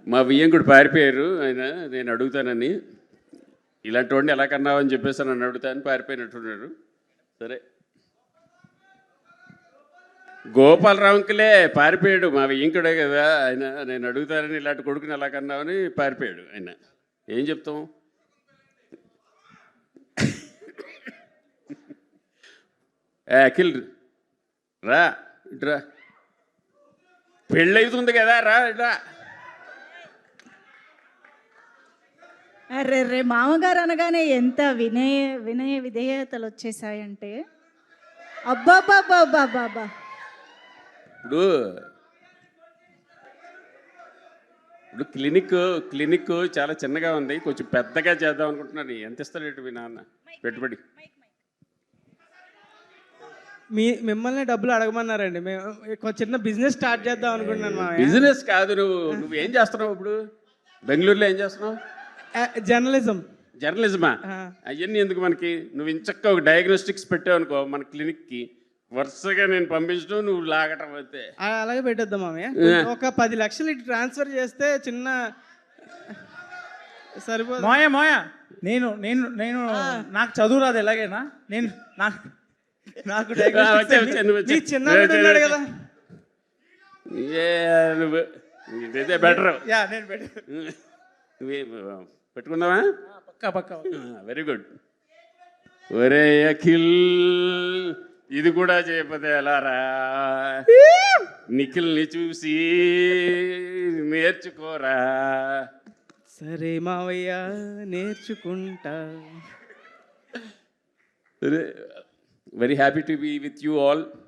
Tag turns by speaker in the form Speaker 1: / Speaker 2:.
Speaker 1: మా వియ్యంకుడు పారిపోయారు ఆయన, నేను అడుగుతానని. ఇలాంటి వాడిని ఎలా కన్నావు అని చెప్పేసి నన్ను అడుగుతాను, పారిపోయినట్టున్నారు. సరే, గోపాలరావుకిలే పారిపోయాడు, మా వియ్యంకుడే కదా ఆయన. నేను అడుగుతానని ఇలాంటి కొడుకుని ఎలా కన్నావని పారిపోయాడు ఆయన. ఏం చెప్తాం? అఖిల్ రా, ఇట్రా, పెళ్ళవుతుంది కదా, రా ఇట్రా.
Speaker 2: అరే రే మామగారు అనగానే ఎంత వినయ విధేయతలు వచ్చేసాయంటే, అబ్బాబాబాబాబా.
Speaker 1: ఇప్పుడు ఇప్పుడు క్లినిక్ చాలా చిన్నగా ఉంది, కొంచెం పెద్దగా చేద్దాం అనుకుంటున్నాను. ఎంత ఇస్తాడు మీ నాన్న పెట్టుబడి?
Speaker 3: మిమ్మల్ని డబ్బులు అడగమన్నారండి. మేము చిన్న బిజినెస్ స్టార్ట్ చేద్దాం అనుకుంటున్నాను.
Speaker 1: బిజినెస్ కాదు, నువ్వేం చేస్తున్నావు ఇప్పుడు? బెంగళూరులో ఏం చేస్తున్నావు? జర్నలిజమా? అవన్నీ ఎందుకు మనకి? నువ్వు ఇంచక్క ఒక డయాగ్నోస్టిక్స్ పెట్టావు అనుకో మన క్లినిక్కి, వరుసగా నేను పంపించడం, నువ్వు లాగటం అయితే.
Speaker 3: అలాగే పెట్టేద్దాం మామయ్య. ఒక 10 లక్షలు ఇటు ట్రాన్స్ఫర్ చేస్తే చిన్న సరిపోదు.
Speaker 4: మోయ నేను నేను నేను నాకు చదువు రాదు, ఎలాగైనా నేను నాకు
Speaker 3: చిన్నవాడు ఉన్నాడు కదా.
Speaker 1: ఇదైతే బెటర్.
Speaker 3: నేను
Speaker 1: పెట్టుకుందామా?
Speaker 4: పక్కా.
Speaker 1: Very good. ఒరే అఖిల్, ఇది కూడా చేయకపోతే ఎలారా? నిఖిల్ని చూసి నేర్చుకోరా.
Speaker 3: సరే మావయ్య, నేర్చుకుంటా.
Speaker 1: Very happy to be with you all.